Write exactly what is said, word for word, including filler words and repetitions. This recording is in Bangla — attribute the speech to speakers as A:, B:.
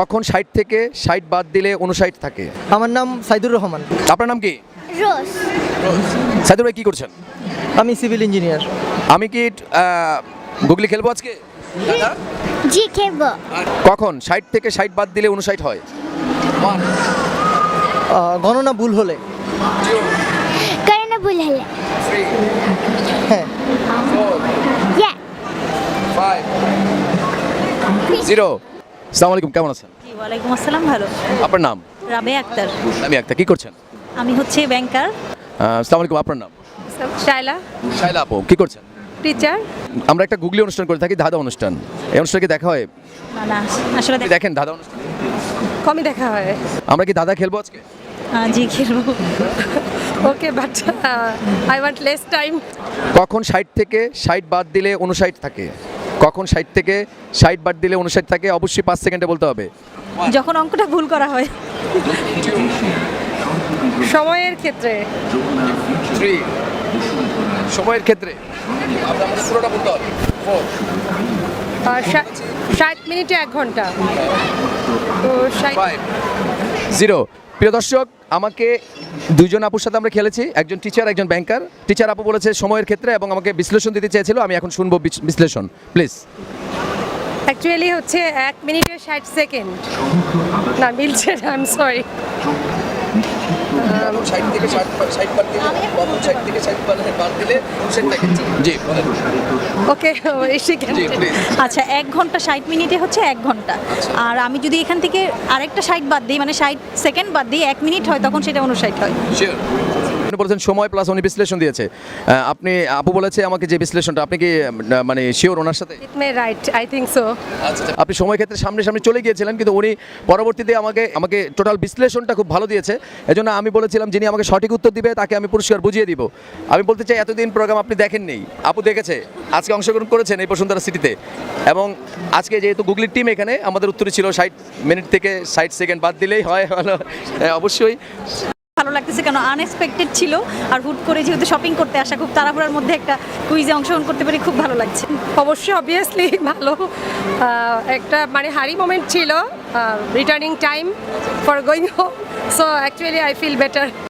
A: কখন ষাট থেকে ষাট বাদ দিলে উনষাট থাকে?
B: আমার নাম সাইদুর রহমান।
A: আপনার নাম কি?
C: রোজ।
A: সাইদুর ভাই কি করছেন?
B: আমি সিভিল ইঞ্জিনিয়ার।
A: আমি কি আহ, গুগলি খেলবো আজকে?
C: জি খেলবো।
A: কখন ষাট থেকে ষাট বাদ দিলে উনষাট হয়?
B: আহ, গণনা ভুল হলে।
C: করে না ভুল হলে।
B: হ্যাঁ।
C: ইয়া।
A: জিরো। আসসালামু আলাইকুম, কেমন আছেন?
D: জি ওয়ালাইকুম আসসালাম, ভালো।
A: আপনার নাম?
D: রাবেয়া আক্তার।
A: আমি একটা কি করছেন?
D: আমি হচ্ছে ব্যাংকার।
A: আহ, আসসালামু আলাইকুম, আপনার নাম?
E: শাইলা,
A: শাইলা আপু, কি করছেন?
E: টিচার।
A: আমরা একটা গুগলি অনুষ্ঠান করে থাকি, ধাঁধা অনুষ্ঠান। এই অনুষ্ঠানকে দেখা হয়?
D: না না আসলে
A: আপনি
D: দেখ-
A: দেখেন ধাঁধা অনুষ্ঠান?
E: কমই দেখা হয়।
A: আমরা কি ধাঁধা খেলবো আজকে?
D: আহ, জি খেলবো।
E: Okay, but I want less time.
A: কখন ষাট থেকে ষাট বাদ দিলে উনষাট থাকে? কখন ষাট থেকে ষাট বাদ দিলে উনষাট থাকে? অবশ্যই পাঁচ সেকেন্ডে বলতে হবে।
D: যখন অঙ্কটা ভুল করা হয়।
E: সময়ের ক্ষেত্রে
A: থ্রি। সময়ের ক্ষেত্রে আপনার আমাদের পুরোটা বলতে হবে। ফোর।
E: আহ, ষা- ষাট মিনিটে এক ঘন্টা। তো ষাট
A: ফাইভ। জিরো। প্রিয় দর্শক, আমাকে দুইজন আপুর সাথে আমরা খেলেছি, একজন টিচার একজন ব্যাংকার। টিচার আপু বলেছে সময়ের ক্ষেত্রে এবং আমাকে বিশ্লেষণ দিতে চেয়েছিল। আমি এখন শুনবো বিচ- বিশ্লেষণ প্লিজ।
E: অ্যাকচুয়ালি হচ্ছে এক মিনিটে ষাট সেকেন্ড। না মিলছে না, আই এম সরি।
A: ষাট থেকে ষাট বাদ দিলে কখন ষাট থেকে ষাট বাদ দিলে উনষাট থাকে? জি বলেন।
E: ওকে, এসে কেন?
A: জি প্লিজ।
D: আচ্ছা, এক ঘন্টা ষাট মিনিটে হচ্ছে এক ঘন্টা। আর আমি যদি এখান থেকে আরেকটা ষাট বাদ দিই, মানে ষাট সেকেন্ড বাদ দিই, এক মিনিট হয়, তখন সেটা উনষাট হয়।
A: শিওর। আপনি বলেছেন সময় প্লাস উনি বিশ্লেষণ দিয়েছে। আহ, আপনি আপু বলেছে আমাকে যে বিশ্লেষণটা, আপনি কি আহ, মানে শিওর ওনার সাথে?
E: It may right, I think so.
A: আচ্ছা, আপনি সময় ক্ষেত্রে সামনে সামনে চলে গিয়েছিলেন, কিন্তু উনি পরবর্তীতে আমাকে আমাকে টোটাল বিশ্লেষণটা খুব ভালো দিয়েছে। এজন্য আমি বলেছিলাম যিনি আমাকে সঠিক উত্তর দিবে তাকে আমি পুরস্কার বুঝিয়ে দিব। আমি বলতে চাই, এতদিন প্রোগ্রাম আপনি দেখেননি, আপু দেখেছে, আজকে অংশগ্রহণ করেছেন এই বসুন্ধরা সিটিতে। এবং আজকে যেহেতু গুগলির টিম এখানে, আমাদের উত্তরে ছিল ষাট মিনিট থেকে ষাট সেকেন্ড বাদ দিলেই হয়। হলো হ্যাঁ, অবশ্যই
D: ভালো লাগতেছে কেন, আনএক্সপেক্টেড ছিল। আর হুট করে যেহেতু শপিং করতে আসা, খুব তাড়াহুড়ার মধ্যে একটা কুইজে অংশগ্রহণ করতে পেরে খুব ভালো লাগছে।
E: অবশ্যই অবভিয়াসলি ভালো। আহ, একটা মানে হারি মোমেন্ট ছিল, returning time for going home. So actually I feel better.